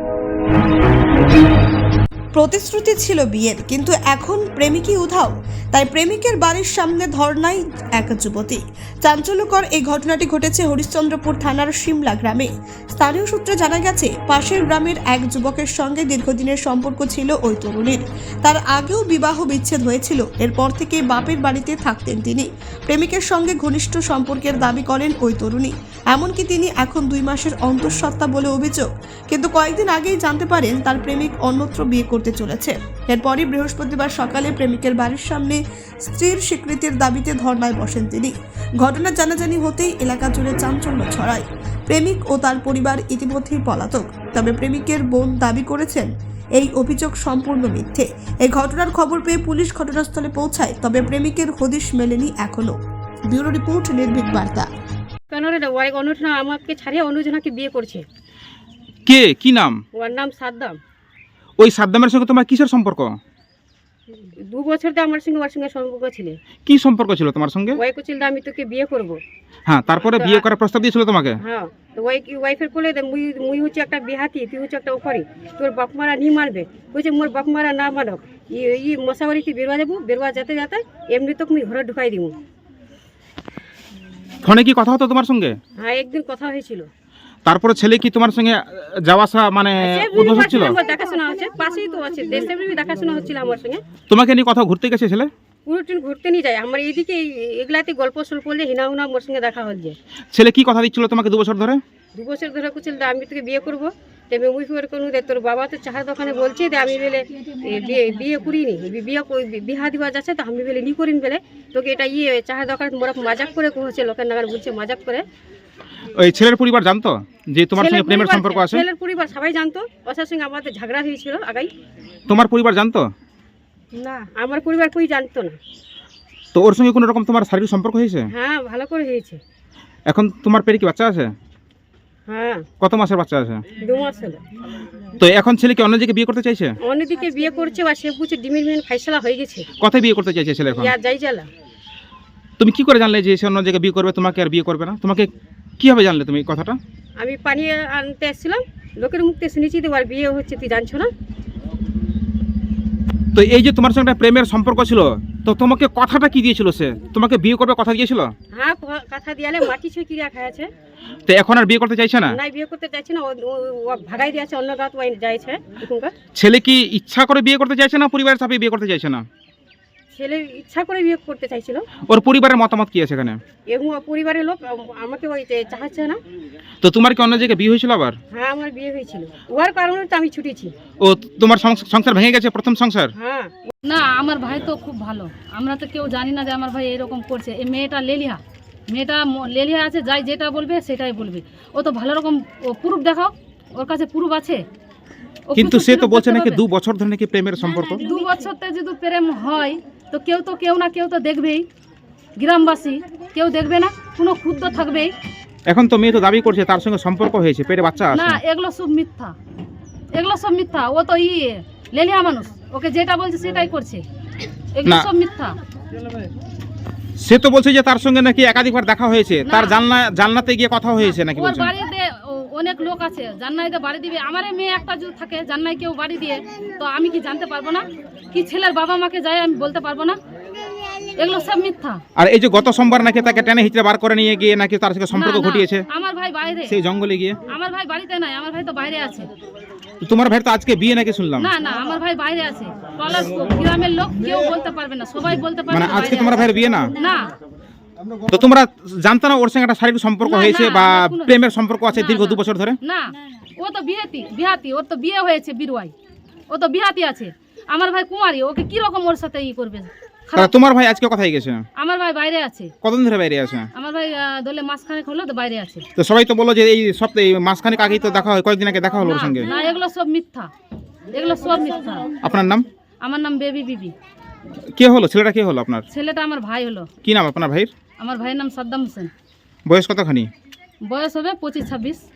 প্রতিশ্রুতি ছিল বিয়ের, কিন্তু এখন প্রেমিকই উধাও। তাই প্রেমিকের বাড়ির সামনে ধর্নায় এক যুবতী। চাঞ্চল্যকর এই ঘটনাটি ঘটেছে হরিশ্চন্দ্রপুর থানার সিমলা গ্রামে। স্থানীয় সূত্রে জানা গেছে, পাশের গ্রামের এক যুবকের সঙ্গে দীর্ঘদিনের সম্পর্ক ছিল ওই তরুণীর। তার আগেও বিবাহ বিচ্ছেদ হয়েছিল। এরপর থেকে বাপের বাড়িতে থাকতেন তিনি। প্রেমিকের সঙ্গে ঘনিষ্ঠ সম্পর্কের দাবি করেন ওই তরুণী। এমনকি তিনি এখন 2 মাসের অন্তঃসত্ত্বা বলে অভিযোগ। কিন্তু কয়েকদিন আগেই জানতে পারেন তার প্রেমিক অন্যত্র বিয়ে করতে চলেছে। এরপরই বৃহস্পতিবার সকালে প্রেমিকের বাড়ির সামনে স্ত্রীর স্বীকৃতির দাবিতে ধর্নায় বসেন তিনি। ঘটনা জানাজানি হতেই এলাকা জুড়ে চাঞ্চল্য ছড়ায়। প্রেমিক ও তার পরিবার ইতিমধ্যেই পলাতক। তবে প্রেমিকের বোন দাবি করেছেন এই অভিযোগ সম্পূর্ণ মিথ্যে। এই ঘটনার খবর পেয়ে পুলিশ ঘটনাস্থলে পৌঁছায়, তবে প্রেমিকের হদিশ মেলেনি এখনো। ব্যুরো রিপোর্ট, নির্ভীক বার্তা। কেন রে, ওই অনুজনা আমাকে ছাড়িয়ে অনুজনাকে বিয়ে করছে। কে, কি নাম? ওর নাম সাদ্দাম। ওই সাদ্দামের সঙ্গে তোমার কিসের সম্পর্ক? 2 বছর তো আমার সঙ্গে ওর সঙ্গে সম্পর্ক ছিল। কি সম্পর্ক ছিল তোমার সঙ্গে? ওই কুচিল আমি তোকে বিয়ে করব। হ্যাঁ, তারপরে বিয়ে করার প্রস্তাব দিয়েছিল তোমাকে? হ্যাঁ, তো ওই ওয়াইফের কোলে মুই হচ্ছে একটা বিহাতি, তুই হচ্ছে একটা ওখারি, তোর বাপ মারা নি মারবে। বলছে মোর বাপ মারা না মানক, ই মশাবাড়িতে বেরোয়া যাবো, বেরোয়া যেতে যেতে এমনি তো মুই ঘরে ঢুকাই দিব। ফোনে কি কথা হতো তোমার সঙ্গে? হ্যাঁ, একদিন কথা হয়েছিল। তারপরে ছেলে কি তোমার সঙ্গে যাওয়া আসা মানে উদ্দেশ্য ছিল? দেখাশোনা হচ্ছে, পাশেই তো আছে, দেশের দেখাশোনা হচ্ছিল আমার সঙ্গে। তোমাকে নিয়ে কথা ঘুরতে গেছে ছেলে? পুরো ট্রেন ঘুরতে নিয়ে যায় আমার এইদিকে, এগুলাতে গল্প সল্প করলে হিনা হুনা মোর সঙ্গে দেখা হচ্ছে। ছেলে কি কথা দিচ্ছিল তোমাকে 2 বছর ধরে? 2 বছর ধরে কুচিল আমি তোকে বিয়ে করবো। তেমনি মুই ফের কোনো রে তোর বাবা তো চাহার দোকানে বলছে যে আমি বেলে বিয়ে করিনি, বিহা দিবা যাচ্ছে, তো আমি বেলে নি করিন বেলে তোকে এটা চাহার দোকানে মোরা মজাক করে কহছে, লোকের নাগার বলছে মজাক করে। ওই ছেলের পরিবার জানতো যে তোমার সঙ্গে প্রেমের সম্পর্ক আছে? ছেলের পরিবার সবাই জানতো। ওর সঙ্গে আমাদের ঝগড়া হয়েছিল আগাই। তোমার পরিবার জানতো না, আমার পরিবার কই জানতো না। তো ওর সঙ্গে কোনো রকম তোমার শারীরিক সম্পর্ক হয়েছে? হ্যাঁ, ভালো করে হয়েছে। এখন তোমার পেটে কি বাচ্চা আছে? হ্যাঁ, কত মাসের বাচ্চা আছে? 2 মাস হলো। তো এখন ছেলে কি অন্য জায়গায় বিয়ে করতে চাইছে? অন্যদিকে বিয়ে করছে বা সে বুঝছে ডিমির ফাইসলা হয়ে গেছে। কোথায় বিয়ে করতে চাইছে ছেলে এখন? যাই জ্বালা। তুমি কি করে জানলে যে সে অন্য জায়গায় বিয়ে করবে, তোমাকে আর বিয়ে করবে না? তোমাকে কিভাবে জানলে তুমি এই কথাটা? আমি পানি আনতে এসেছিলাম, লোকের মুখতে শুনেছি তো আর বিয়ে হচ্ছে, তুই জানছো না? তো এই যে তোমার সঙ্গে একটা প্রেমের সম্পর্ক ছিল, তো তোমাকে কথাটা কি দিয়েছিল? সে তোমাকে বিয়ে করবে কথা দিয়েছিল? হ্যাঁ, কথা দিয়ালে মাটি ছুঁয়ে কিরা খাইছে। তো এখন আর বিয়ে করতে চাইছে না? না, বিয়ে করতে চাইছে না, ও ভাগাই দিয়েছে, অন্য গাঁত যাইছে। ছেলে কি ইচ্ছা করে বিয়ে করতে চাইছে না পরিবারের চাপে বিয়ে করতে চাইছে না? ছেলে ইচ্ছা করে বিয়ে করতে চাইছিল। ওর পরিবারের মতামত কি আছে এখানে? এবং পরিবারের লোক আমাকে ওই চাহাচ্ছে না। তো তোমার কি অন্য জায়গায় বিয়ে হয়েছিল আবার? হ্যাঁ, আমার বিয়ে হয়েছিল, ওর কারণে তো আমি ছুটেছি। ও তোমার সংসার ভেঙে গেছে, প্রথম সংসার? হ্যাঁ। না, আমার ভাই তো খুব ভালো, আমরা তো কেউ জানি না যে আমার ভাই এরকম করছে। এই মেয়েটা লেলিহা আছে, যাই যেটা বলবে সেটাই বলবে। ও তো ভালো রকম প্রুফ দেখাও, ওর কাছে প্রুফ আছে। কিন্তু সে তো বলছে নাকি 2 বছর ধরে নাকি প্রেমের সম্পর্ক। 2 বছরতে যদি প্রেম হয় তো কেউ না কেউ তো দেখবেই, গ্রামবাসী কেউ দেখবে না, কোনো ক্ষুদ্র থাকবেই। এখন তো মেয়ে তো দাবি করছে তার সঙ্গে সম্পর্ক হয়েছে, পেটে বাচ্চা আছে। না, এগুলো সব মিথ্যা। ও তো লেলিহা মানুষ, ওকে যেটা বলছে সেটাই করছে, এগুলো সব মিথ্যা। সে তো বলছে যে তার সঙ্গে নাকি একাধিকবার দেখা হয়েছে, তার জানলাতে গিয়ে কথা হয়েছে নাকি ওর বলছে? বাড়িতে অনেক লোক আছে, জান্নাইতে বাড়ি দিবে। আমার মেয়ে একটা যদি থাকে জান্নাই কেউ বাড়ি দিয়ে, তো আমি কি জানতে পারবো না? কি ছেলের বাবা মাকে যাই আমি বলতে পারবো না? এগুলো সব মিথ্যা। আর এই যে গত সোমবার নাকি তাকে টেনে হিচড়ে বার করে নিয়ে গিয়ে নাকি তার সাথে সম্পর্ক ঘটিয়েছে আমার ভাই বাইরে, সেই জঙ্গলে গিয়ে। আমার ভাই বাড়িতে নাই, আমার ভাই তো বাইরে আছে। তোমার ভাই তো আজকে বিয়ে নাকি শুনলাম? না, আমার ভাই বাইরে আছে। টলার গ্রামের লোক কেউ বলতে পারবে না, সবাই বলতে পারবে। মানে আজকে তোমার ভাইয়ের বিয়ে না? না। তো তোমরা জানতো না ওর সঙ্গে একটা শারীরিক সম্পর্ক হয়েছে বা প্রেমের সম্পর্ক আছে দীর্ঘ 2 বছর ধরে? না, ও তো বিহাতি, ওর তো বিয়ে হয়েছে বিরুয়াই, ও তো বিহাতি আছে। আমার ভাই কুমারী, ওকে কি রকম ওর সাথে করবে? তোমার ভাই আজকে কোথায় গেছে? আমার ভাই বাইরে আছে। কতদিন ধরে বাইরে আছে? আমার ভাই দলে মাসখানেক হলো তো বাইরে আছে। তো সবাই তো বললো যে এই সপ্তাহে মাসখানেক আগেই তো দেখা হয়, কয়েকদিন আগে দেখা হলো ওর সঙ্গে। না, এগুলো সব মিথ্যা। আপনার নাম? আমার নাম বেবি বিবি। কে হলো ছেলেটা? কে হলো আপনার? ছেলেটা আমার ভাই হলো। কি নাম আপনার ভাইয়ের? আমার ভাইয়ের নাম সাদ্দাম হোসেন। বয়স কতখানি? বয়স হবে 25-26।